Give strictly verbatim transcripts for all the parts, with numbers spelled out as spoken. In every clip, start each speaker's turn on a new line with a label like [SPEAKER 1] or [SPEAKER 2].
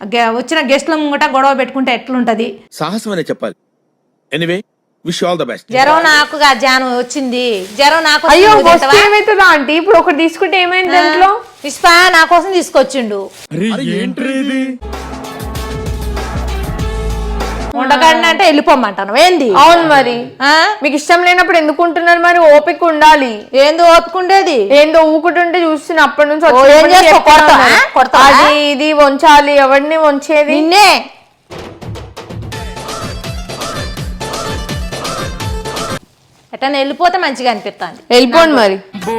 [SPEAKER 1] వచ్చిన గెస్ట్ల ముంగట గొడవ పెట్టుకుంటే ఎట్లుంటది?
[SPEAKER 2] సాహసం అనే చెప్పాలి. Anyway wish all the best.
[SPEAKER 1] జ్వరం నాకు జాను వచ్చింది, జ్వరం నాకు.
[SPEAKER 3] అయ్యో ఏమైతుందా ఆంటీ? ఇప్పుడు ఒకటి తీసుకుంటే ఏమైంది దాంట్లో?
[SPEAKER 1] ఇస్పా నా కోసం తీసుకొచ్చిండు. ఉండకండి అంటే వెళ్ళిపోమంటాను ఏంది?
[SPEAKER 3] అవును మరి మీకు ఇష్టం లేనప్పుడు ఎందుకు ఉంటున్నారు మరి? ఓపిక ఉండాలి.
[SPEAKER 1] ఏందో ఓపిక ఉండేది?
[SPEAKER 3] ఏందో ఊకుంటుంటే చూస్తున్నా అప్పటి నుంచి
[SPEAKER 1] అది
[SPEAKER 3] ఇది వంచాలి. ఎవరిని వంచేది?
[SPEAKER 1] నిన్నే. ఎట్లా వెళ్ళిపోతే మంచిగా అనిపిస్తుంది.
[SPEAKER 3] వెళ్ళిపోండి మరి.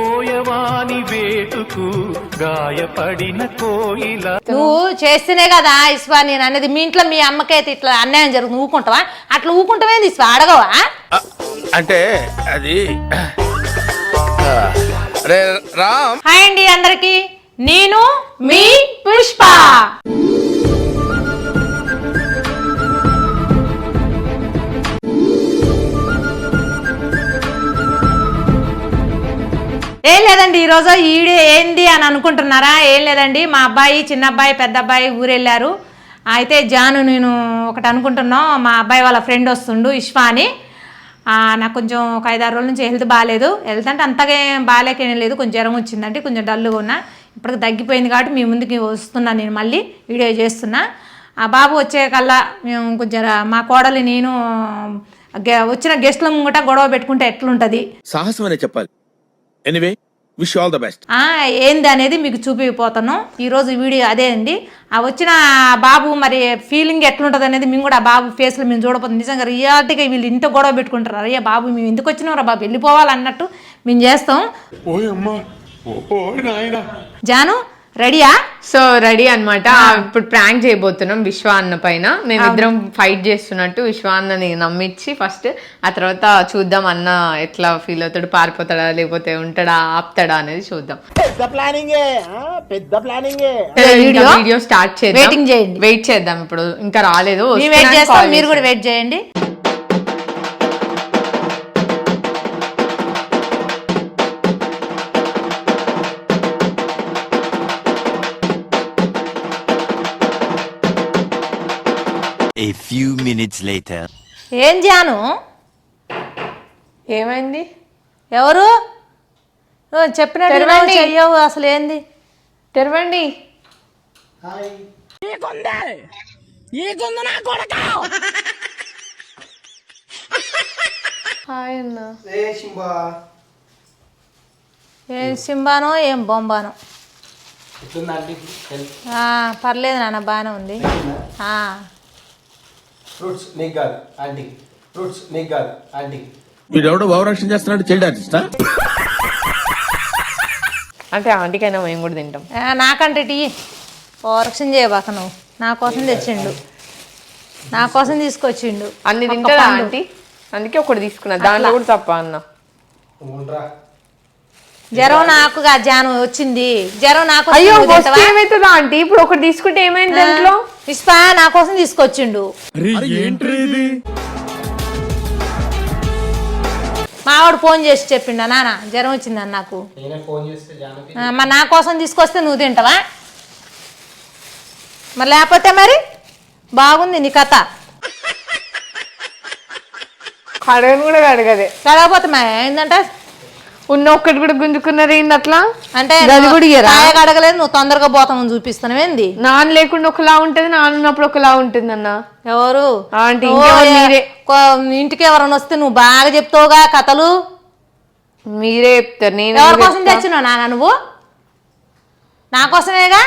[SPEAKER 1] నువ్వు చేస్తేనే కదా ఇస్వా నేను అనేది. మీ ఇంట్లో మీ అమ్మకైతే ఇట్లా అన్యాయం జరుగుతుంది, ఊకుంటావా? అట్లా ఊకుంటావేంది ఇస్వా? అడగవా?
[SPEAKER 2] అంటే అది రామ్.
[SPEAKER 1] హాయ్ అండి అందరికి, నేను మీ పుష్ప. ఏం లేదండి, ఈరోజు ఈడే ఏంది అని అనుకుంటున్నారా? ఏం లేదండి, మా అబ్బాయి చిన్న అబ్బాయి పెద్ద అబ్బాయి ఊరెళ్ళారు. అయితే జాను నేను ఒకటి అనుకుంటున్నాం, మా అబ్బాయి వాళ్ళ ఫ్రెండ్ వస్తుండు ఇష్వా అని. నాకు కొంచెం ఒక ఐదారు రోజుల నుంచి హెల్త్ బాగాలేదు. హెల్త్ అంటే అంతగా బాగాలేకేం లేదు, కొంచెం జ్వరం వచ్చిందంటే కొంచెం డల్గా ఉన్నా. ఇప్పటికి తగ్గిపోయింది కాబట్టి మీ ముందుకి వస్తున్నాను, నేను మళ్ళీ వీడియో చేస్తున్నా. ఆ బాబు వచ్చే కల్లా మేము కొంచెం మా కోడలి నేను వచ్చిన గెస్ట్ల ముంగట గొడవ పెట్టుకుంటే ఎట్లుంటుంది?
[SPEAKER 2] సాహసం అనే చెప్పాలి. Anyway wish all the best.
[SPEAKER 1] ఏంది అనేది మీకు చూపిపోతాను ఈరోజు వీడియో. అదే అండి, ఆ వచ్చిన బాబు మరి ఫీలింగ్ ఎట్లుంటుంది అనేది మేము కూడా ఆ బాబు ఫేస్లో మేము చూడపోతుంది. నిజంగా రియాలిటీగా వీళ్ళు ఇంత గొడవ పెట్టుకుంటారు. అయ్యా బాబు మేము ఎందుకు వచ్చినాం రా బాబు, వెళ్ళిపోవాలన్నట్టు మేము చేస్తాం. జాను రెడీయా?
[SPEAKER 3] సో రెడీ అనమాట. ఇప్పుడు ప్రాంక్ చేయబోతున్నాం విశ్వ అన్న పైన. మేమిద్దరం ఫైట్ చేస్తున్నట్టు విశ్వ అన్నని నమ్మించి ఫస్ట్, ఆ తర్వాత చూద్దాం అన్న ఎట్లా ఫీల్ అవుతాడు, పారిపోతాడా లేకపోతే ఉంటాడా ఆపుతాడా అనేది చూద్దాం.
[SPEAKER 4] పెద్ద ప్లానింగ్ పెద్ద ప్లానింగ్.
[SPEAKER 3] వీడియో స్టార్ట్ చేద్దాం,
[SPEAKER 1] వెయిటింగ్ చేయండి.
[SPEAKER 3] వెయిట్ చేద్దాం. ఇప్పుడు ఇంకా రాలేదు,
[SPEAKER 1] వెయిట్ చేస్తాం, మీరు కూడా వెయిట్ చేయండి.
[SPEAKER 5] A few minutes later.
[SPEAKER 1] ఏం జాను
[SPEAKER 3] ఏమైంది?
[SPEAKER 1] ఎవరు చెప్పినట్టు చెయ్యవు అసలు? ఏంది?
[SPEAKER 3] తెరవండి. హాయ్ అన్న.
[SPEAKER 1] ఏం సింబానో ఏం బొంబానో. పర్లేదు నాన్న, బాగానే ఉంది.
[SPEAKER 4] ఫ్రూట్స్ నీకు కాదు ఆంటీ, ఫ్రూట్స్ నీకు కాదు ఆంటీ.
[SPEAKER 2] వీడెవడో భావరక్షణ చేస్తున్నాడు, చైల్డ్ ఆర్టిస్టా?
[SPEAKER 3] అంటే ఆంటీకైనా మేము కూడా తింటాం.
[SPEAKER 1] నాకంటే టీ ఓరక్షణ చేయబాక, నువ్వు నా కోసం తెచ్చిండు, నా కోసం తీసుకొచ్చిండు.
[SPEAKER 3] అన్ని తింటారా ఆంటీ? అందుకే ఒకటి తీసుకున్నా, దాంట్లో కూడా తప్ప అన్న.
[SPEAKER 1] జ్వరం నాకు జాను వచ్చింది, జ్వరం నాకు.
[SPEAKER 3] అయ్యో ఏమైతుందా ఆంటీ? ఇప్పుడు ఒకటి తీసుకుంటే ఏమైంది దాంట్లో?
[SPEAKER 1] ఇస్పా నా కోసం తీసుకొచ్చిండు. మావాడు ఫోన్ చేసి చెప్పిండా, నాన్న జ్వరం వచ్చిందని నాకు. మరి నా కోసం తీసుకొస్తే నువ్వు తింటావా? మరి లేకపోతే మరి బాగుంది నీ కథ.
[SPEAKER 3] కడగను కూడా కడగదే.
[SPEAKER 1] కడగపోతే మా ఏంటంటే
[SPEAKER 3] ఉన్న ఒక్కటి కూడా గుంజుకున్నారు ఏంది అట్లా?
[SPEAKER 1] అంటే అడగలేదు, నువ్వు తొందరగా పోతామని చూపిస్తాను. ఏంది?
[SPEAKER 3] నాన్న లేకుండా ఒకలా ఉంటది, నాన్న ఉన్నప్పుడు ఒకలా ఉంటుంది అన్న.
[SPEAKER 1] ఎవరు
[SPEAKER 3] ఆంటీ?
[SPEAKER 1] ఇంటికి ఎవరైనా వస్తే నువ్వు బాగా చెప్తావుగా కథలు,
[SPEAKER 3] మీరే చెప్తారు. నేను
[SPEAKER 1] ఎవరి కోసం తెచ్చినావు నాన్న? నువ్వు నా కోసమేగా.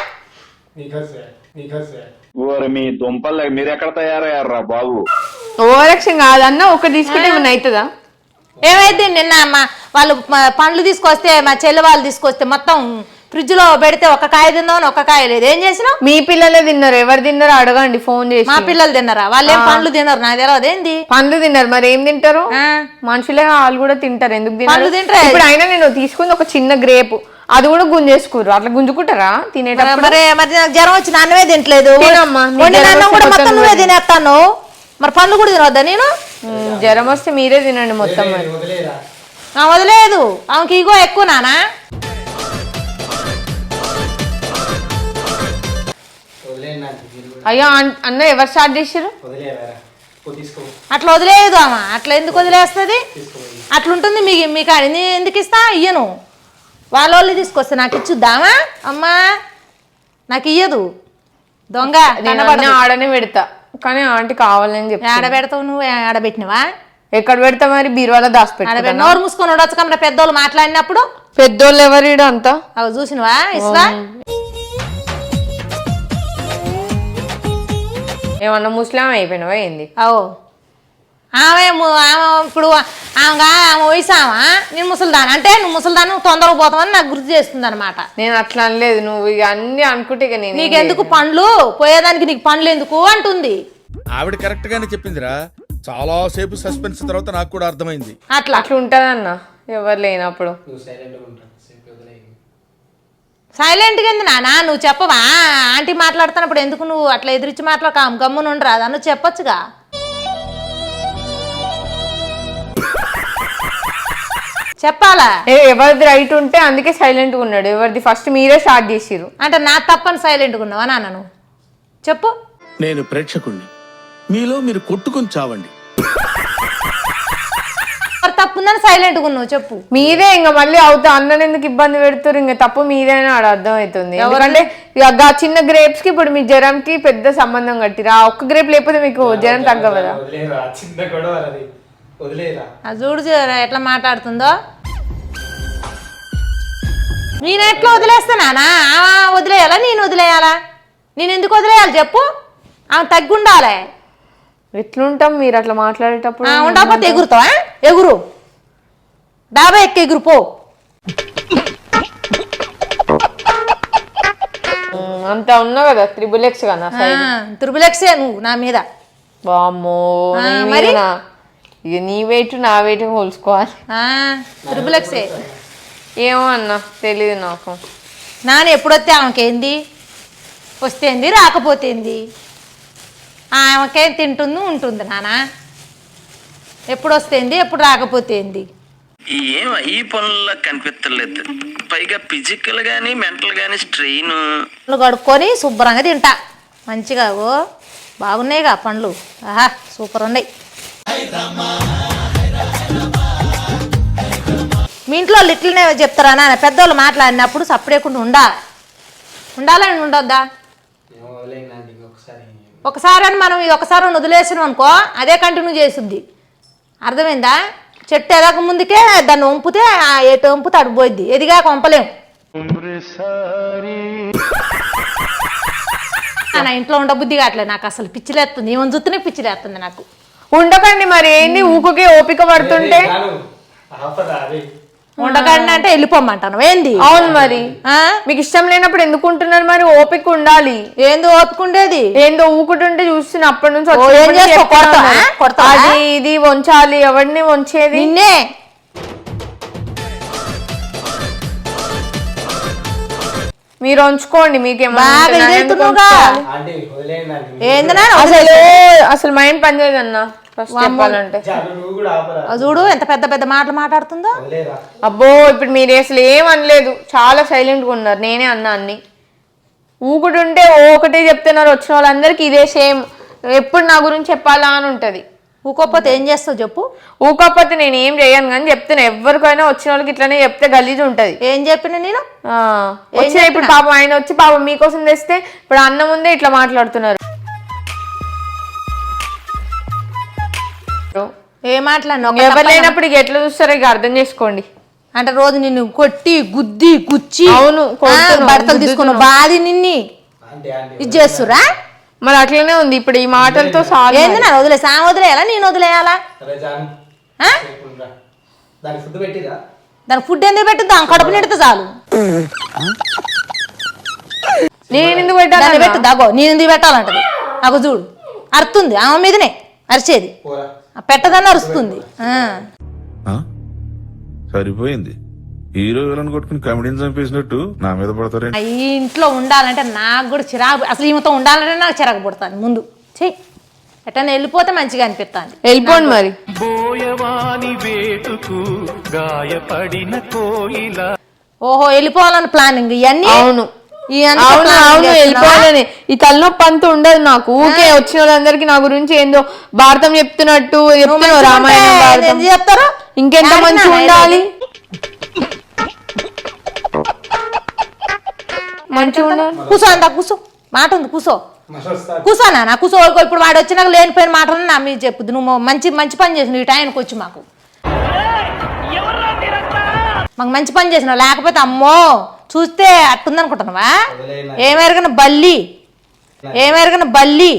[SPEAKER 6] మీ దుంపల్ మీరు ఎక్కడ తయారయ్యారా బాబు?
[SPEAKER 3] ఓరక్షం కాదన్న, ఒకటి తీసుకుంటే ఏమన్నా అవుతుందా?
[SPEAKER 1] ఏమైంది? నిన్న మా వాళ్ళు పండ్లు తీసుకొస్తే, మా చెల్లి వాళ్ళు తీసుకొస్తే మొత్తం ఫ్రిడ్జ్ లో పెడితే ఒక కాయ తిందామని ఒక కాయ లేదు. ఏం చేసినావు?
[SPEAKER 3] మీ పిల్లలే తిన్నారు, ఎవరు తిన్నారో అడగండి ఫోన్ చేసి.
[SPEAKER 1] మా పిల్లలు తిన్నారా? వాళ్ళు ఏం పండ్లు తిన్నారు? నాకు తెలియదు. ఏంది
[SPEAKER 3] పండ్లు తిన్నారు? మరి ఏం తింటారు? మనుషులే వాళ్ళు కూడా తింటారు. ఎందుకు తింటారు? ఇప్పుడు అయినా నేను తీసుకుంది ఒక చిన్న గ్రేప్, అది కూడా గుంజేసుకోరు. అట్లా గుంజుకుంటారా తినేటప్పుడు?
[SPEAKER 1] మరి మరి నాకు జ్వరం వచ్చి నాన్నవే తింటలేదు, కూడా మొత్తం నువ్వే తినేస్తాను. మరి పండ్లు కూడా తినవద్దా నేను?
[SPEAKER 3] జ్వరం వస్తే మీరే తినండి మొత్తం. మరి
[SPEAKER 1] వదిలేదు, ఆమెకి ఇగో ఎక్కువ నానా.
[SPEAKER 3] అయ్యో అన్- అన్న ఎవరు స్టార్ట్ చేసారు?
[SPEAKER 4] వదిలేవారా తీసుకో
[SPEAKER 1] అట్లా వదిలేదు అమ్మ, అట్లా ఎందుకు వదిలేస్తుంది? అట్లుంటుంది మీకు మీకు నేను ఎందుకు ఇస్తా? ఇయ్యను. వాళ్ళ వాళ్ళు తీసుకొస్తే నాకు ఇచ్చుద్దామా? అమ్మా నాకు ఇయ్యదు దొంగ.
[SPEAKER 3] నేను అన్నీ ఆడనే పెడతా, కానీ ఆంటీ కావాలని చెప్పి
[SPEAKER 1] ఆడ పెడతావు నువ్వు? ఆడబెట్టినవా?
[SPEAKER 3] ఎక్కడ పెడతా మరి? బీరువాలో దాచిపెట్ట.
[SPEAKER 1] ఆడబెట్టి నోరు మూసుకొని ఉండొచ్చు కమ్మ పెద్దోళ్ళు మాట్లాడినప్పుడు.
[SPEAKER 3] పెద్దోళ్ళు ఎవరు అంతా?
[SPEAKER 1] అవి చూసినవా ఇస్తా?
[SPEAKER 3] ఏమన్నా ముస్లిం అయిపోయినావా ఏంది?
[SPEAKER 1] అవు ఆమె ము- ఆమె ఇప్పుడు ఆమె ఆమె వయసు ఆమె, నేను ముసలిదాను అంటే నువ్వు ముసలిదాను తొందరగా పోతామని నాకు గుర్తు చేస్తుంది అనమాట.
[SPEAKER 3] నేను అట్లా అనలేదు, నువ్వు ఇక అన్ని అనుకుంటే ఇక నేను
[SPEAKER 1] నీకెందుకు పండ్లు పోయేదానికి, నీకు పండ్లు ఎందుకు అంటుంది.
[SPEAKER 2] ఆవిడ కరెక్ట్ గానే చెప్పిందిరా. చాలా సేపు సస్పెన్స్ తర్వాత నాకు కూడా అర్థమైంది.
[SPEAKER 1] అట్లా
[SPEAKER 3] అట్లా ఉంటదన్న ఎవరు లేనప్పుడు.
[SPEAKER 4] నువ్వు సైలెంట్గా ఉంటావు సేపు వదిలే
[SPEAKER 1] సైలెంట్గా ఉంది నానా, నువ్వు చెప్పవా? ఆంటీ మాట్లాడుతున్నప్పుడు ఎందుకు నువ్వు అట్లా ఎదిరించి మాట్లాడక గమ్మున ఉండరాదా? నువ్వు చెప్పొచ్చుగా. చెప్పాలా?
[SPEAKER 3] ఏ- ఎవరిది రైట్ ఉంటే అందుకే సైలెంట్ గా ఉన్నాడు. ఎవరిది ఫస్ట్ మీరే స్టార్ట్ చేసిరు
[SPEAKER 1] అంటే నా తప్పని సైలెంట్గా ఉన్నావా నాన్న? నువ్వు చెప్పు.
[SPEAKER 2] నేను ప్రేక్షకుణ్ణి, మీలో మీరు కొట్టుకొని చావండి.
[SPEAKER 1] మరి తప్పుందని సైలెంట్గా ఉన్నావు చెప్పు.
[SPEAKER 3] మీరే ఇంకా మళ్ళీ అవుతా అన్నని ఎందుకు ఇబ్బంది పెడుతురు? ఇంకా తప్పు మీదేనా ఆడ అర్థం అవుతుంది. ఎందుకంటే ఇక ఆ చిన్న గ్రేప్స్ కి ఇప్పుడు మీ జ్వరంకి పెద్ద సంబంధం కట్టిరా. ఆ ఒక్క గ్రేప్ లేకపోతే మీకు జ్వరం తగ్గవదా?
[SPEAKER 4] వదిలేరా చిన్న గొడవ అది వదిలేరా.
[SPEAKER 1] ఆ చూడు చూడు ఎట్లా మాట్లాడుతుందో. నేను ఎట్లా వదిలేస్తానా? ఆమె వదిలేయాలా నేను వదిలేయాలా? నేను ఎందుకు వదిలేయాలి చెప్పు? ఆమె తగ్గి ఉండాలి.
[SPEAKER 3] ఎట్లుంటాం మీరు అట్లా మాట్లాడేటప్పుడు?
[SPEAKER 1] ఉండకపోతే ఎగురుతావా? ఎగురు, డాబా ఎక్కి ఎగురు పో.
[SPEAKER 3] ఉమ్, అంతా ఉన్నా కదా త్రిబుల్ ఎక్స్ కదా.
[SPEAKER 1] త్రిబులెక్సే నువ్వు నా మీద.
[SPEAKER 3] బామ్మో
[SPEAKER 1] ఆ,
[SPEAKER 3] నీ
[SPEAKER 1] మరి?
[SPEAKER 3] మీదనా? ఇక నీ వెయిట్ నా వెయిట్ పోల్చుకోవాలి.
[SPEAKER 1] త్రిబులెక్సే.
[SPEAKER 3] ఏమో అన్న తెలీదు నాకు.
[SPEAKER 1] నాన్న ఎప్పుడొస్తే ఆమెకేంది? వస్తేంది రాకపోతేంది? ఆమెకేం తింటుంది ఉంటుంది నాన్న. ఎప్పుడు వస్తేంది ఎప్పుడు రాకపోతేంది?
[SPEAKER 7] ఏం ఈ పనుల్లో కనిపించలేదు. పైగా ఫిజికల్ గానీ మెంటల్ గానీ స్ట్రెయిన్.
[SPEAKER 1] పండ్లు కడుక్కొని శుభ్రంగా తింటా మంచిగా. ఓ బాగున్నాయిగా పండ్లు, ఆహా సూపర్ ఉన్నాయి. మీ ఇంట్లో వాళ్ళు ఇట్లనే చెప్తారా నాన్న? పెద్దవాళ్ళు మాట్లాడినప్పుడు సప్పుడేకుండా ఉండాలి. ఉండాలని ఉండొద్దా?
[SPEAKER 4] ఏమో వదిలేనా ఇంకొకసారి.
[SPEAKER 1] ఒకసారి అని మనం ఇది ఒకసారి వదిలేసినాం అనుకో, అదే కంటిన్యూ చేస్తుంది. అర్థమైందా? చెట్టు ఎదక ముందుకే దాన్ని వంపితే ఎటు వంపితే అటు పోయిద్ది. ఎదిగాక వంపలేం. నా ఇంట్లో ఉండబుద్ధి కావట్లేదు నాకు, అసలు పిచ్చిలేస్తుంది. ఏమని చూస్తేనే పిచ్చిలేస్తుంది నాకు.
[SPEAKER 3] ఉండకండి మరి ఏంది ఊకుకే ఓపిక పడుతుంటే?
[SPEAKER 4] ఆపరా అది.
[SPEAKER 1] ఉండకండి అంటే వెళ్ళిపోమంటాను ఏంది?
[SPEAKER 3] అవును మరి,
[SPEAKER 1] ఆ?
[SPEAKER 3] మీకు ఇష్టం లేనప్పుడు ఎందుకు ఉంటున్నారు మరి? ఓపిక ఉండాలి.
[SPEAKER 1] ఏంది ఓపుకుండేది?
[SPEAKER 3] ఏందో ఊకుంటుంటే చూస్తున్నా అప్పటి నుంచి
[SPEAKER 1] ఓ,
[SPEAKER 3] వచ్చినప్పటి
[SPEAKER 1] ఏం
[SPEAKER 3] నుంచి
[SPEAKER 1] చేస్తావు?
[SPEAKER 3] చెప్తున్నా
[SPEAKER 1] కొడతావా?
[SPEAKER 3] ఉన్నారు.
[SPEAKER 1] కొడతావా?
[SPEAKER 3] అది ఇది వంచాలి. ఎవరిని వంచేది?
[SPEAKER 1] నిన్నే.
[SPEAKER 3] మీరు వంచుకోండి. మీకేమో
[SPEAKER 1] బాగా ఇదైతున్నావుగా.
[SPEAKER 4] ఆంటీ వదిలేయండి ఆంటీ.
[SPEAKER 1] ఏందన్నా
[SPEAKER 3] అసలు అసలు మైండ్ పనిచేయదు అన్న ఫస్ట్ చెప్పాలంటే.
[SPEAKER 4] చాలు నువ్వు కూడా ఆపరా.
[SPEAKER 1] ఆ చూడు ఎంత పెద్ద పెద్ద మాటలు మాట్లాడుతుందో.
[SPEAKER 4] వదిలేరా.
[SPEAKER 3] అబ్బో ఇప్పుడు మీరు అసలు ఏం అనలేదు, చాలా సైలెంట్ గా ఉన్నారు. నేనే అన్నా అన్ని. ఊకుడుంటే ఓ ఒకటే చెప్తున్నారు. వచ్చిన వాళ్ళందరికీ ఇదే సేమ్. ఎప్పుడు నా గురించి చెప్పాలా అని ఉంటది.
[SPEAKER 1] ఊకోకపోతే ఏం చేస్తావు చెప్పు?
[SPEAKER 3] ఊకపోతే నేను ఏం చేయను కానీ చెప్తున్నా. ఎవరికైనా వచ్చిన వాళ్ళకి ఇట్లానే చెప్తే గలీజ్ ఉంటది.
[SPEAKER 1] ఏం చెప్పిన నేను?
[SPEAKER 3] ఆ, వచ్చిన ఇప్పుడు పాపం ఆయన వచ్చి పాపం మీకోసం తెస్తే ఇప్పుడు అన్న ముందే ఇట్లా మాట్లాడుతున్నారు.
[SPEAKER 1] ఏ మాట్లాడినా
[SPEAKER 3] ఎవరు లేనప్పుడు ఇక ఎట్లా చూస్తారో ఇక అర్థం చేసుకోండి.
[SPEAKER 1] అంటే రోజు నిన్ను కొట్టి గుద్ది గుచ్చి
[SPEAKER 3] అవును, కొడుతున్నావు,
[SPEAKER 1] బట్టలు తీసుకున్న బాధి నిన్ని
[SPEAKER 4] ఆంటీ ఆంటీ
[SPEAKER 1] ఇది చేస్తురా?
[SPEAKER 3] మరి అట్లనే ఉంది ఇప్పుడు ఈ మాటలతో సాగు.
[SPEAKER 1] ఏంది నా వదిలేసి ఆమె వదిలేయాలా నేను వదిలేయాలా?
[SPEAKER 4] సరే జాన్
[SPEAKER 1] ఆ?
[SPEAKER 4] సేపు ఉండరా. దానికి ఫుడ్ పెట్టిరా.
[SPEAKER 1] దాని ఫుడ్ ఎందుకు పెట్టు? దాని కడుపు నిడితే చాలు.
[SPEAKER 3] నేను ఎందుకు
[SPEAKER 1] దాన్ని
[SPEAKER 3] పెట్టాను?
[SPEAKER 1] పెట్టు దాగో. నేను ఎందుకు పెట్టాలంటది? నాకు చూడు అరుతుంది. ఆమె మీదనే అరిచేది.
[SPEAKER 4] పోరా.
[SPEAKER 1] ఆ పెట్టదని అరుస్తుంది. ఆ.
[SPEAKER 8] ఆ? సరిపోయింది. హీరో విలన్ కొట్టుకుని కమెడీని చంపేసినట్టు నా మీద పడతారే.
[SPEAKER 1] ఆ ఈ ఇంట్లో ఉండాలంటే నాకు కూడా చిరాకు. అసలు ఈమెతో ఉండాలంటే నాకు చిరాకు పుడతాను ముందు. చెయ్యి ఎట్టన్నా వెళ్ళిపోతే మంచిగా అనిపిస్తుంది.
[SPEAKER 3] వెళ్ళిపోండి మరి.
[SPEAKER 1] ఓహో వెళ్ళిపోవాలని ప్లానింగ్ ఇవన్నీ.
[SPEAKER 3] అవును
[SPEAKER 1] ఈ అంత
[SPEAKER 3] అవును
[SPEAKER 1] plan
[SPEAKER 3] అవును
[SPEAKER 1] చేస్తున్నావా?
[SPEAKER 3] వెళ్ళిపోవాలని ఈ తలనొప్పి అంత ఉండదు నాకు. ఊకే వచ్చిన వాళ్ళందరికి నా గురించి ఏందో భారతం చెప్తున్నట్టు చెప్తున్నావు,
[SPEAKER 1] మంచిగా
[SPEAKER 3] రామాయణం
[SPEAKER 1] ఉంటే
[SPEAKER 3] భారతం.
[SPEAKER 1] ఏం చెప్తారు?
[SPEAKER 3] ఇంకెంత
[SPEAKER 1] యాడికి
[SPEAKER 3] మంచిగా
[SPEAKER 1] నాన్న
[SPEAKER 3] ఉండాలి,
[SPEAKER 1] వెళ్ళేది?
[SPEAKER 3] మంచిగా ఉండాలి.
[SPEAKER 1] కూసో అంత కూసో, మాట ఉంది కూసో
[SPEAKER 4] మళ్ళీ వస్తా.
[SPEAKER 1] కూసానా నా కూసో. ఇప్పుడు వాడు వచ్చినాక లేనిపోయిన మాటలు నా మీద చెప్పుద్దు. నువ్వు మంచి మంచి పని చేసినావు ఈ టైంకి వచ్చి మాకు మాకు మంచి పని చేసినావు. లేకపోతే అమ్మో చూస్తే అట్టుందనుకుంటున్నావా? ఏమెరగన బల్లి, ఏమెరగన బల్లి.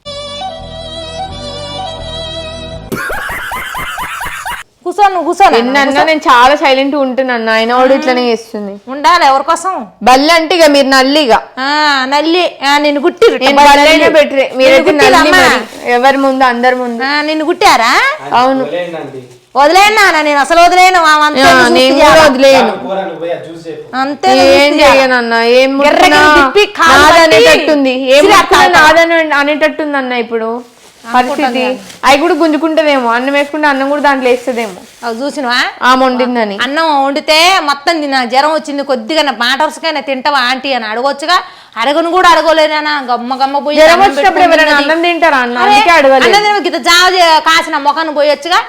[SPEAKER 1] కూసో నువ్వు కూర్చోను
[SPEAKER 3] ఎన్నన్నా నేను చాలా సైలెంట్ ఉంటున్నాను, ఆయన వాడు ఇట్లనే చేస్తుంది.
[SPEAKER 1] ఉండాలి ఎవరి కోసం.
[SPEAKER 3] బల్లి అంటే ఇక మీరు నల్లిగా,
[SPEAKER 1] ఆ నల్లి ఆ, నిన్ను గుట్టిరు
[SPEAKER 3] నేను బల్లైనా బెటరే. మీరైతే నల్లి మరి ఎవరి ముందు అందరి ముందు.
[SPEAKER 1] నిన్ను గుట్టారా?
[SPEAKER 3] అవును
[SPEAKER 4] వదిలేయండి ఆంటీ.
[SPEAKER 1] వదిలేనా నేను అసలు వదిలేను. ఆమె అంతే
[SPEAKER 3] ఆ,
[SPEAKER 1] చూసి
[SPEAKER 3] నేను
[SPEAKER 1] చేయాలా?
[SPEAKER 3] కూడా వదిలేను.
[SPEAKER 4] కూర నువ్వు పోయి అది చూసి చెప్పు.
[SPEAKER 1] అంతే
[SPEAKER 3] ఏం చేయనన్న, ఏం ముట్టుకున్నా
[SPEAKER 1] తిప్పి కాలు పట్టి
[SPEAKER 3] నాదనేటట్టుంది, ఏం
[SPEAKER 1] సిరా
[SPEAKER 3] ముట్టుకున్నా
[SPEAKER 1] తాగుతా.
[SPEAKER 3] నాదని అనేటట్టుంది అన్న ఇప్పుడు పరిస్థితి. అవి కూడా గుంజుకుంటదేమో, అన్నం వేసుకుంటే అన్నం కూడా దాంట్లో వేస్తుందేమో.
[SPEAKER 1] అవి చూసినవా
[SPEAKER 3] ఆ వండిందని.
[SPEAKER 1] అన్నం వండితే మొత్తం తిన్నా, జ్వరం వచ్చింది కొద్దిగా మాట వరుసకైనా తింటావా ఆంటీ అని అడగొచ్చుగా. అడగను కూడా అడగలేనా, గమ్మ గమ్మ పోయి
[SPEAKER 3] జ్వరం
[SPEAKER 1] అన్నం
[SPEAKER 3] వచ్చినప్పుడు
[SPEAKER 1] పెట్టుకొని
[SPEAKER 3] ఎవరైనా
[SPEAKER 1] తిన్నది.
[SPEAKER 3] అన్నం తింటారా అన్న?
[SPEAKER 1] అరే,
[SPEAKER 3] అందుకే అడగలేదు.
[SPEAKER 1] అన్నం తినవు, గిత్త జావ చే- కాసిన మొఖాన్ని పోయొచ్చుగా.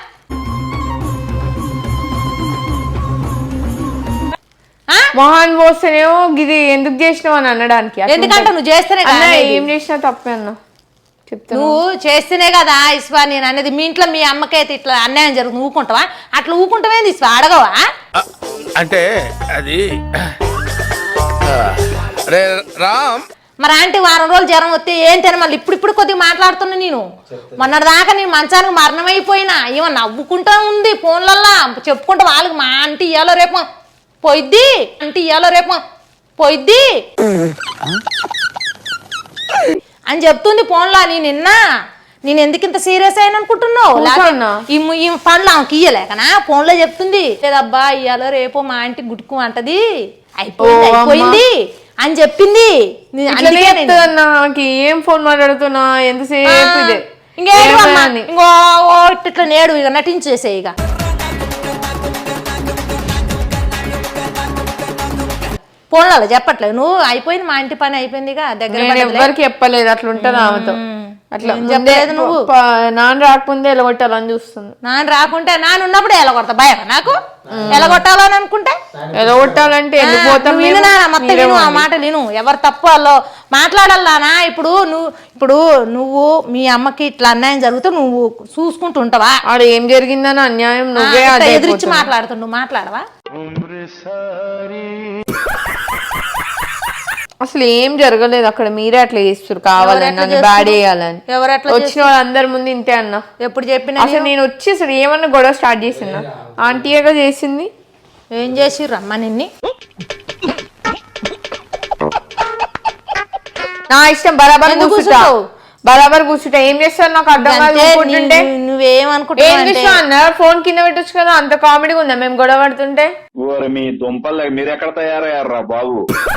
[SPEAKER 3] మొహాన్ పోస్తేనేమో గిది ఎందుకు చేసినావు అని అనడానికి. అట్లా
[SPEAKER 1] ఎందుకంటే
[SPEAKER 3] ఉంటుంది.
[SPEAKER 1] నువ్వు చేస్తేనే
[SPEAKER 3] అన్న
[SPEAKER 1] కదా
[SPEAKER 3] ఏం చేసినా తప్పే అన్న చెప్తాను.
[SPEAKER 1] నువ్వు చేస్తేనే కదా ఇస్వా నేను అనేది. మీ ఇంట్లో మీ అమ్మకైతే ఇట్లా అన్యాయం జరుగుతుంది ఊకుంటావా? అట్లా ఊకుంటావేంది ఇస్వా, అడగవా?
[SPEAKER 2] అంటే అది ఆ, రే రామ్
[SPEAKER 1] మరి ఆంటీ వారం రోజులు జ్వరం వస్తే ఏం తిన మళ్ళీ ఇప్పుడు ఇప్పుడు కొద్దిగా మాట్లాడుతున్నా నేను. మొన్నటి దాకా నేను మంచానికి మరణమైపోయినా ఏమో నవ్వుకుంటా ఉంది ఫోన్లల్లా చెప్పుకుంటా వాళ్ళకి. మా ఆంటీ ఇయ్యాలో రేపు పోయిద్ది, ఆంటీ ఇయ్యాలో రేపు పోయిద్ది అని చెప్తుంది ఫోన్లో. నేను నిన్న నేను ఎందుకు ఇంత సీరియస్ అయిన అనుకుంటున్నావు?
[SPEAKER 3] కూర్చోన్నా.
[SPEAKER 1] ఈ ము- ఈ పనులు ఆమెకి ఇయ్యలేకనా ఫోన్లో చెప్తుంది. లేదబ్బా ఇయ్యాలో రేపు మా ఆంటీ గుట్టుకు అంటది, అయిపోయింది
[SPEAKER 3] ఓ అమ్మా.
[SPEAKER 1] అయిపోయింది అని చెప్పింది. నీ-
[SPEAKER 3] ఇట్లనే
[SPEAKER 1] అందుకే నేను-
[SPEAKER 3] చెప్తుందన్న, నాకు ఏం ఫోన్ మాట్లాడుతున్నా ఎంతసేపు ఇదే.
[SPEAKER 1] ఇంకేడు
[SPEAKER 3] ఏమైనా
[SPEAKER 1] అమ్మా,
[SPEAKER 3] అని.
[SPEAKER 1] ఇంకో ఓ ఇట్లా నేడు ఇక నటించేసే ఇక. ఫోన్లలో చెప్పట్లేదు నువ్వు. అయిపోయింది మా ఇంటి పని అయిపోయింది ఇక దగ్గర
[SPEAKER 3] నేను
[SPEAKER 1] పడ్డదిలే.
[SPEAKER 3] ఎవ్వరికి చెప్పలేదు, అట్లా ఉంటుంది ఆమెతో. అట్లా
[SPEAKER 1] ఏం
[SPEAKER 3] ముందే
[SPEAKER 1] చెప్పలేదు నువ్వు?
[SPEAKER 3] ప- ప- నాన్న రాకముందే ఎలగొట్టాలని చూస్తుంది.
[SPEAKER 1] నాన్న రాకుంటే నాన్న ఉన్నప్పుడు ఎలా కొడతా భయం నాకు ఎలా కొట్టాలని అనుకుంటే.
[SPEAKER 3] ఎలగొట్టాలంటే ఎందుకు పోతాం
[SPEAKER 1] నువ్వు విను
[SPEAKER 3] మేము?
[SPEAKER 1] నాన్న, మొత్తం
[SPEAKER 3] మీరే
[SPEAKER 1] విను, ఆ
[SPEAKER 3] పోండి.
[SPEAKER 1] మాట విను. ఎవరు తప్పు వాళ్ళు మాట్లాడాలనా? ఇప్పుడు నువ్వు ఇప్పుడు నువ్వు మీ అమ్మకి ఇట్లా అన్యాయం జరిగితే నువ్వు చూసుకుంటూ ఉంటావా?
[SPEAKER 3] ఆడ ఏం జరిగిందని అన్యాయం
[SPEAKER 1] ఆ,
[SPEAKER 3] నువ్వే
[SPEAKER 1] ఇట్లా
[SPEAKER 3] అదే
[SPEAKER 1] ఎదిరించి
[SPEAKER 3] అయిపోతున్నావు.
[SPEAKER 1] మాట్లాడుతుండు, మాట్లాడవా?
[SPEAKER 3] అసలు ఏం జరగలేదు అక్కడ, మీరే అట్లా చేస్తారు కావాలని,
[SPEAKER 1] ఎవరు
[SPEAKER 3] నన్ను
[SPEAKER 1] ఎట్లా
[SPEAKER 3] బ్యాడ్
[SPEAKER 1] చేస్తున్నారు?
[SPEAKER 3] చేయాలని.
[SPEAKER 1] ఎవరు ఎట్లా
[SPEAKER 3] వచ్చిన వాళ్ళందరి ముందు ఇంతే అన్న.
[SPEAKER 1] ఎప్పుడు చెప్పినా
[SPEAKER 3] అసలు నేను వచ్చి అసలు ఏమన్నా గొడవ స్టార్ట్ చేసిందా? ఆంటీగా చేసింది.
[SPEAKER 1] ఏం చేసిర్రు అమ్మ నిన్ని?
[SPEAKER 3] నా ఇష్టం, బరాబర్
[SPEAKER 1] ఎందుకు
[SPEAKER 3] కూర్చుంటా,
[SPEAKER 1] కూర్చుంటావు?
[SPEAKER 3] బరాబర్ కూర్చుంటా. ఏం చేస్తారు నాకు అర్థం కాదు.
[SPEAKER 1] అంటే
[SPEAKER 3] ఊరుకుంటుంటే
[SPEAKER 1] నీ- నువ్వేమనుకుంటున్నావు
[SPEAKER 3] ఏం
[SPEAKER 1] అంటే-
[SPEAKER 3] చేసినా అన్న, ఫోన్ కింద పెట్టొచ్చు కదా, అంత కామెడీగా ఉందా మేము గొడవ పడుతుంటే?
[SPEAKER 6] ఓరి మీ దుంపలు మీరు ఎక్కడ తయారయ్యారా బాబు?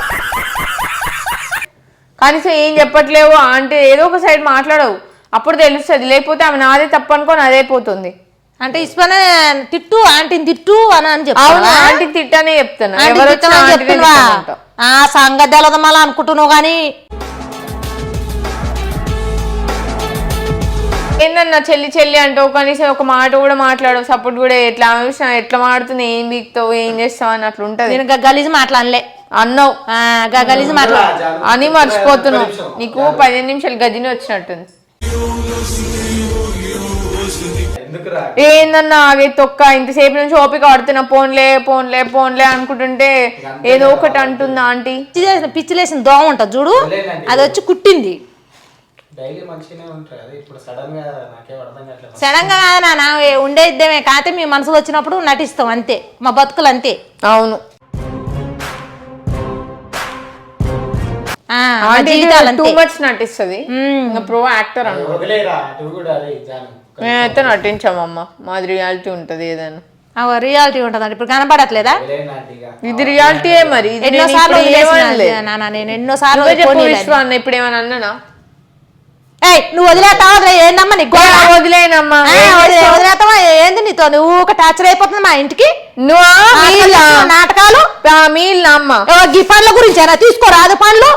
[SPEAKER 3] కనీసం ఏం చెప్పట్లేవు అంటే ఏదో ఒక సైడ్ మాట్లాడవు, అప్పుడు తెలుస్తుంది. లేకపోతే ఆమె నాదే తప్పు అనుకోని అదే పోతుంది.
[SPEAKER 1] అంటే ఇస్పనే తిట్టు ఆంటీని తిట్టు అని అని
[SPEAKER 3] అవును,
[SPEAKER 1] చెప్తావా?
[SPEAKER 3] ఆంటీకి తిట్టానే చెప్తాను.
[SPEAKER 1] ఆంటీకి
[SPEAKER 3] ఎవరు
[SPEAKER 1] తిట్టమని
[SPEAKER 3] వచ్చినా ఆంటీనే
[SPEAKER 1] చెప్తున్నావా?
[SPEAKER 3] తిట్టమంటా.
[SPEAKER 1] ఆ సంగతి తెలదు మళ్ళీ అనుకుంటున్నావు కానీ
[SPEAKER 3] ఏందన్నా చెల్లి చెల్లి అంటావు, కనీసం ఒక మాట కూడా మాట్లాడవు, సపోర్ట్ కూడా ఎట్లా ఆమె చూసినా ఎట్లా మాడుతుంది, ఏం బీక్తావు, ఏం చేస్తావు అని అట్లా ఉంటది.
[SPEAKER 1] నేను గలీజ్ మాట్లాడలే,
[SPEAKER 3] అన్నావు
[SPEAKER 1] గలీజ్ మాట్లాడ
[SPEAKER 3] అని మర్చిపోతున్నావు. నీకు పదిహేను నిమిషాలు గదిని వచ్చినట్టుంది.
[SPEAKER 4] ఎందుకురా?
[SPEAKER 3] ఏందన్నా ఆగే తొక్క, ఇంతసేపు నుంచి ఓపిక ఆడుతున్నా, పోన్లే పోన్లే పోన్లే అనుకుంటుంటే ఏదో ఒకటి అంటుందా ఆంటీ.
[SPEAKER 1] పిచ్చి చేసిన పిచ్చి లేసిన దోమ ఉంటుంది చూడు, అది వచ్చి కుట్టింది.
[SPEAKER 4] డైలీ మంచిగానే ఉంటారు కదా, ఇప్పుడు సడన్ గా నాకేం అర్థం కావట్లేదు.
[SPEAKER 1] సడన్ గా కాదు నాన్న, ఉండే ఇద్దేమే కాకపోతే మీ మనసులో వచ్చినప్పుడు నటిస్తాం అంతే, మా బతుకులు అంతే.
[SPEAKER 3] అవును,
[SPEAKER 1] ఆ, మా జీవితాలు
[SPEAKER 3] టూ
[SPEAKER 1] అంతే.
[SPEAKER 3] మచ్ నటిస్తుంది. ప్రో యాక్టర్ అన్న,
[SPEAKER 4] వదిలేరా నువ్వు కూడా. అదే జాను
[SPEAKER 3] మేమైతే నటించామమ్మా, మాది రియాలిటీ ఉంటది ఏదైనా.
[SPEAKER 1] రియాలిటీ ఉంటుంది ఇప్పుడు కనపడట్లేదా?
[SPEAKER 4] వదిలేనాటిగా.
[SPEAKER 3] ఇది రియాలిటీయే మరి. ఇది
[SPEAKER 1] ఎన్నో
[SPEAKER 3] నేను
[SPEAKER 1] సార్లు
[SPEAKER 3] ఇప్పుడు ఏమనలే.
[SPEAKER 1] నాన్న నేను ఎన్నో సార్లు
[SPEAKER 3] నువ్వే చెప్పు
[SPEAKER 1] పోనీలే.
[SPEAKER 3] విశ్వ అన్న, ఇప్పుడు ఏమన్నా అన్నానా?
[SPEAKER 1] ఏయ్ నువ్వు వదిలేస్తావా? ఏందమ్మా నీకు
[SPEAKER 3] వదిలేనమ్మా.
[SPEAKER 1] వదిలేస్తావా ఏంది నీతో నువ్వు ఒక టార్చర్ అయిపోతుంది మా ఇంటికి
[SPEAKER 3] నువ్వు
[SPEAKER 1] నాటకాలు చేస్తున్నావు, నాటకాలు
[SPEAKER 3] మీల్ అమ్మ
[SPEAKER 1] ఓ, గీ పండ్ల గురించేనా తీసుకోరాదు పండ్లు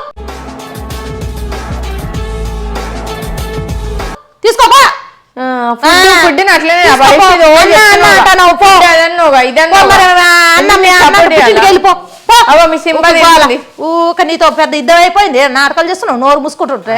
[SPEAKER 1] తీసుకోపా
[SPEAKER 3] ఫుడ్ అట్లనే
[SPEAKER 1] తీసుకోపో. అన్న, అన్న అంటున్నావు, పో. పో మరి, అన్న మీ అన్న పుట్టింటికి వెళ్ళిపో. పో.
[SPEAKER 3] అవ్వ, మీ సింబల్
[SPEAKER 1] ఊకు పోవాలా.
[SPEAKER 3] ఏంది?
[SPEAKER 1] ఊక నీతో పెద్ద ఇద్దరు అయిపోయింది నాటకాలు చేస్తున్నావు నోరు మూసుకుంటుంటే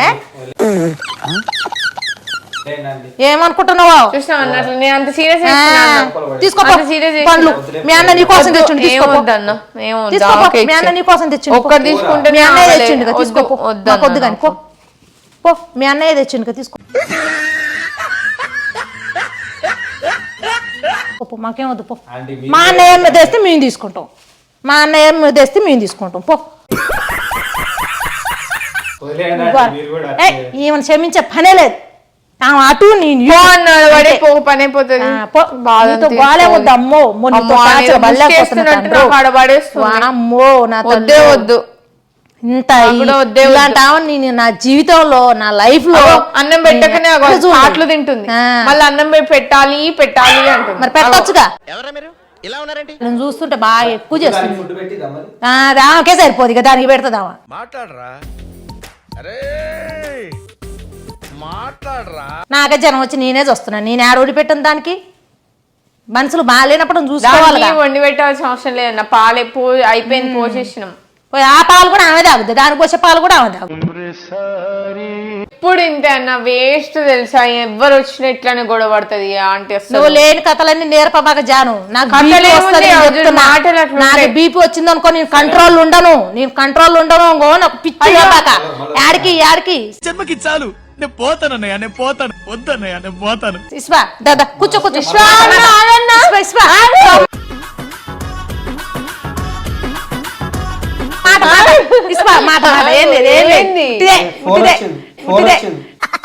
[SPEAKER 4] ఏంటండి
[SPEAKER 1] ఏమనుకుంటున్నావు
[SPEAKER 3] చూసినావు అన్నట్లు నేను అంత సీరియస్
[SPEAKER 1] తీసుకోపో
[SPEAKER 3] అంత serious
[SPEAKER 1] పండ్లు మీ అన్న నీ కోసం తెచ్చిండు తీసుకోపో
[SPEAKER 3] ఏమొద్దన్న ఏమొద్దు
[SPEAKER 1] తీసుకోపో
[SPEAKER 3] ఓకే
[SPEAKER 1] మీ అన్న నీ కోసం తెచ్చిండు
[SPEAKER 3] ఒక్కటి తీసుకుంటే
[SPEAKER 1] మీ అన్నయ్య తెచ్చిండు తీసుకోపో
[SPEAKER 3] వద్దు
[SPEAKER 1] నాకు వద్దు కానీ పో పో మీ అన్నయ్య తెచ్చిండు తీసుకో పో, మాకేం వద్దు పో
[SPEAKER 4] ఆంటీ
[SPEAKER 1] మా అన్నయ్య ఏమి తెస్తే మేము తీసుకుంటాం మా అన్నయ్య ఏమి తెస్తే మేము తీసుకుంటాం పో
[SPEAKER 4] వదిలేయండి ఆంటీ, మీరు కూడా
[SPEAKER 1] ఏ, ఈమెను క్షమించే పనే లేదు ఆమె అటు నేను
[SPEAKER 3] పో అన్నాడు వాడే పో పని అయిపోతుంది
[SPEAKER 1] ఆ, పో. నీతో బాలే వద్దు అమ్మో మొన్న నీతో
[SPEAKER 3] అమ్మో,
[SPEAKER 1] టార్చర్
[SPEAKER 3] ఆయన
[SPEAKER 1] బల్లేకపోతున్నా
[SPEAKER 3] ముష్టేస్తున్నట్టు
[SPEAKER 1] తండ్రి.
[SPEAKER 3] నాకు ఆడ పడేస్తుంది.
[SPEAKER 1] వామ్మో, నా
[SPEAKER 3] వద్దే
[SPEAKER 1] తల్లి.
[SPEAKER 3] వద్దు
[SPEAKER 1] ఇంత
[SPEAKER 3] నాకు కూడా వద్దే వద్దు.
[SPEAKER 1] ఇలాంటి ఆమెను నేను నా జీవితంలో నా లైఫ్ లో
[SPEAKER 3] అగో, అన్నం పెట్టకనే
[SPEAKER 1] నేను
[SPEAKER 3] అగో
[SPEAKER 1] ఎక్కడ చూడలేదు.
[SPEAKER 3] పాటలు తింటుంది
[SPEAKER 1] ఆ.
[SPEAKER 3] మళ్ళీ అన్నం పె- పెట్టాలి పెట్టాలి అంటుంది
[SPEAKER 1] మరి పెట్టొచ్చుగా
[SPEAKER 7] ఎవరా మీరు ఇలా ఉన్నారండి
[SPEAKER 1] నేను చూస్తుంటే బాగా ఎక్కువ చేస్తుంది
[SPEAKER 4] ఫుడ్ పెట్టిద్దా మరి
[SPEAKER 1] ఆ, అది ఆమెకే సరిపోదు ఇక దానికి పెడుతుందామా
[SPEAKER 2] మాట్లాడరా అరే మాట్లాడరా
[SPEAKER 1] నాకే జనం వచ్చి నేనే చూస్తున్నాను నేను ఆడ పెట్టిన దానికి మనుషులు బాగాలేనప్పుడు చూసుకోవాలి
[SPEAKER 3] దానికి వండి పెట్టాల్సిన అవసరం లేదన్న పాలు పో అయిపోయింది పోసేసినాం
[SPEAKER 1] ఆ పాలు కూడా ఆమె తాగుద్ది దానికి పోసే పాలు కూడా ఆమె తాగు
[SPEAKER 3] ఇప్పుడు ఇంతే అన్న వేస్ట్ తెలుసా ఎవరు వచ్చినా ఇట్లానే గొడవ పడుతుంది ఆంటీ అసలు
[SPEAKER 1] నువ్వు లేని కథలన్నీ నేర్పబాక జాను నాకు
[SPEAKER 3] కథలు
[SPEAKER 1] బీపీ
[SPEAKER 3] ఏముంది?
[SPEAKER 1] వస్తది, నేను
[SPEAKER 3] అర్జున్
[SPEAKER 1] చెప్తున్నా.
[SPEAKER 3] మాటలు అట్లుంటాయి.
[SPEAKER 1] నాకు బీపీ వచ్చింది అనుకో నేను కంట్రోల్ ఉండను నేను కంట్రోల్ ఉండను ఇంకో నాకు పిచ్చి లేపాక యాడికి యాడికి
[SPEAKER 2] జన్మకి చాలు నేను పోతానన్నయ్య నేను పోతాను వద్దన్నయ్య నేను పోతాను
[SPEAKER 1] ఇస్వా దాదా కూర్చో కూర్చో ఇస్వా, ఇస్వా. మాట మాట ఇస్వా మాట మాట ఏం లేదు ఏం లేదు
[SPEAKER 3] ఏంది?
[SPEAKER 1] ఇదే,
[SPEAKER 4] ఫోన్
[SPEAKER 1] ఇదే,
[SPEAKER 4] వచ్చింది ఫోన్
[SPEAKER 1] ఇదే.
[SPEAKER 4] వచ్చింది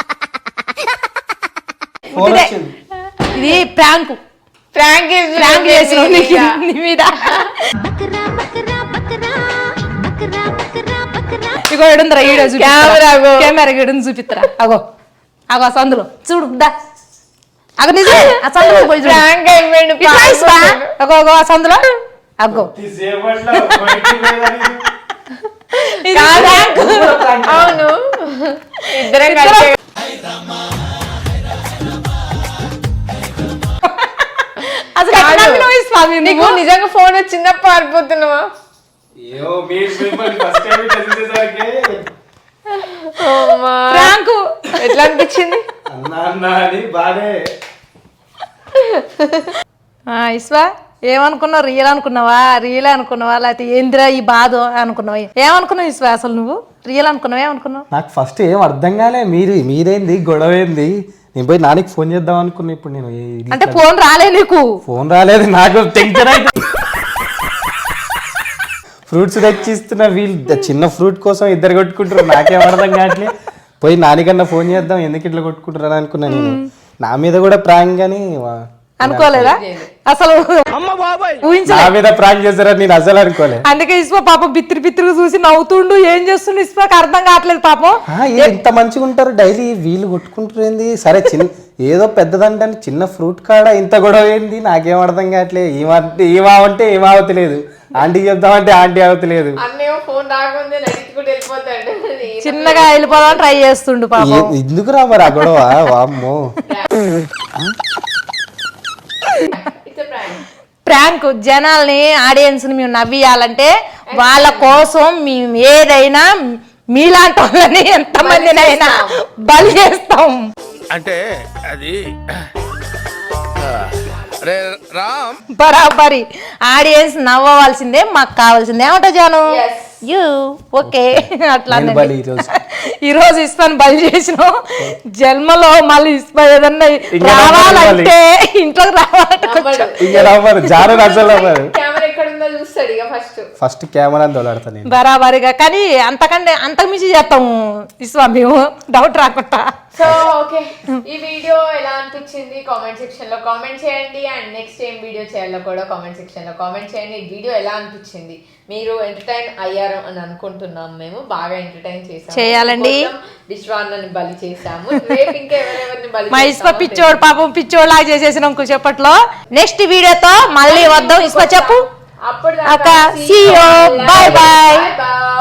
[SPEAKER 4] ఫోన్
[SPEAKER 1] ఇదే.
[SPEAKER 4] వచ్చింది
[SPEAKER 1] ఇది ప్రాంక్
[SPEAKER 3] ప్రాంక్
[SPEAKER 1] ప్రాంక్ చేసిన నీ మీద ఇగో ఎడుందిరా ఈడో
[SPEAKER 3] కెమెరా అగో.
[SPEAKER 1] కెమెరా ఎడుంది చూపిత్తరా అగో అగో ఆ సందులో చూడు దా అగో నిజమే ఆ సందులో పోయి చూడు
[SPEAKER 3] ప్రాంక్ అయిపోయింది
[SPEAKER 1] ఇట్లా ఇస్వా. అగో అగో ఆ సందులో అగ్గో
[SPEAKER 4] సేపట్లో బయటికి పోయేదాన్ని.
[SPEAKER 1] ఇది ప్రాంక్.
[SPEAKER 3] అవును ఇద్దరం కలిసి
[SPEAKER 1] అసలు ఎట్లా నమ్మినావు ఈ స్వామి
[SPEAKER 3] నీకు
[SPEAKER 1] నువ్వు?
[SPEAKER 3] నిజంగా ఫోన్ వచ్చిందా పారిపోతున్నావా
[SPEAKER 4] ఏమో మీరు మిమ్మల్ని ఫస్ట్ టైం ఇట్లా చూసేసరికి
[SPEAKER 3] అమ్మా.
[SPEAKER 1] ప్రాంక్
[SPEAKER 3] ఎట్లా అనిపించింది
[SPEAKER 4] అన్నా అన్నా అని బానే
[SPEAKER 1] ఆ, ఇస్వా ఏమనుకున్నావు రియల్ అనుకున్నావా రియల్ అనుకున్నావా లేకపోతే ఏందిరా ఈ బాధ అనుకున్నావా ఏమనుకున్నావు ఇస్వా అసలు నువ్వు రియల్ అనుకున్నావు ఏమనుకున్నావు
[SPEAKER 4] నాకు ఫస్ట్ ఏం అర్థం కాలే మీరు మీరేంది గొడవ ఏంది నేను పోయి నానికి ఫోన్ చేద్దాం అనుకున్నా ఇప్పుడు నేను ఏ-
[SPEAKER 1] అంటే ఫోన్ రాలే నీకు
[SPEAKER 4] ఫోన్ రాలేదు నాకు టెన్షన్ అయితే ఫ్రూట్స్ తెచ్చిస్తున్న వీళ్ళు చిన్న ఫ్రూట్ కోసం ఇద్దరు కొట్టుకుంటారు నాకేం అర్థం కావట్లే పోయి నానికన్నా ఫోన్ చేద్దాం ఎందుకు ఇట్లా కొట్టుకుంటారు అని అనుకున్నా నేను నా మీద కూడా ప్రాంక్ అని వా-
[SPEAKER 1] అనుకోలేదా అసలు ఊహించలే
[SPEAKER 4] నా మీద ప్రాంక్ చేస్తారని నేను అసలు అనుకోలే
[SPEAKER 1] అందుకే ఇస్పా పాపం బిత్తిరి బిత్తిరి చూసి నవ్వుతుండు ఏం చేస్తుండు ఇస్పాకి అర్థం కావట్లేదు పాపం
[SPEAKER 4] ఆ, ఏ ఇంత మంచిగా ఉంటారు డైలీ వీళ్ళు కొట్టుకుంటారు ఏంది సరే చిన్న ఏదో పెద్దదంటే చిన్న ఫ్రూట్ కాడ ఇంత గొడవ ఏంది నాకేం అర్థం కావట్లేదు ఏమంటే ఏమావంటే ఏమావతలేదు ఆంటీకి చెప్దామంటే ఆంటీ అవతలేదు
[SPEAKER 3] అన్నేమో ఫోన్ రాకముందే నడుచుకుంటూ వెళ్ళిపోతాడు
[SPEAKER 1] చిన్నగా వెళ్ళిపోదాం ట్రై చేస్తుండు పాపం
[SPEAKER 4] ఏ- ఎందుకు రా మరి ఆ గొడవ వామ్మో
[SPEAKER 1] ప్రాంక్ జనాల్ని ఆడియన్స్ ని మేము నవ్వియాలంటే వాళ్ళ కోసం మేము ఏదైనా మీలాంటి వాళ్ళని ఎంతమందినైనా బలి చేస్తాం
[SPEAKER 2] అంటే అది రే రామ్
[SPEAKER 1] బరాబరి ఆడియన్స్ నవ్వవలసిందే మాకు కావాల్సిందే ఏమంటా జాను యూ ఓకే అట్లా
[SPEAKER 4] నేను బలి ఈరోజు.
[SPEAKER 1] ఈ రోజు ఇస్పాన్ బలి చేసినాం జన్మలో మళ్ళీ ఇస్పా ఏదన్నా
[SPEAKER 4] ఇంకా
[SPEAKER 1] రావాలంటే ఇంట్లోకి రావాలంటే కొంచెం
[SPEAKER 4] ఇంకా నవ్వరు జాను అసలు నవ్వరు
[SPEAKER 3] కెమెరా ఎక్కడ ఉందో చూస్తాడు ఇక ఫస్ట్ ఫస్ట్
[SPEAKER 4] ఫస్ట్ కెమెరా తోలాడతా నేను.
[SPEAKER 1] బరాబరిగా కానీ అంతకంటే అంతకు మించి చేస్తాము విశ్వ మేము డౌట్ రాకుండా.
[SPEAKER 3] సో ఓకే, ఈ వీడియో ఎలా అనిపించింది కామెంట్ సెక్షన్ లో కామెంట్ చేయండి. అండ్ నెక్స్ట్ ఏం వీడియో చేయాలో కూడా కామెంట్ సెక్షన్ లో కామెంట్ చేయండి. ఈ వీడియో ఎలా అనిపించింది, మీరు ఎంటర్టైన్ అయ్యారు అని అనుకుంటున్నాం. మేము బాగా ఎంటర్టైన్ చేసాము,
[SPEAKER 1] చేయాలండి.
[SPEAKER 3] విశ్వాన్నని బలి చేసాము. రేపు ఇంకా ఎవరెవరిని బలి
[SPEAKER 1] మా ఇసుక
[SPEAKER 3] చేస్తామో
[SPEAKER 1] పిచ్చోడు పాపం పిచ్చోడు లాగా చేసేసినాం చెప్పట్లో. నెక్స్ట్ వీడియోతో మళ్ళీ వద్దాం. ఇసుక చెప్పు
[SPEAKER 3] అప్పుడు
[SPEAKER 1] అక్క. See you. Bye bye.
[SPEAKER 3] bye.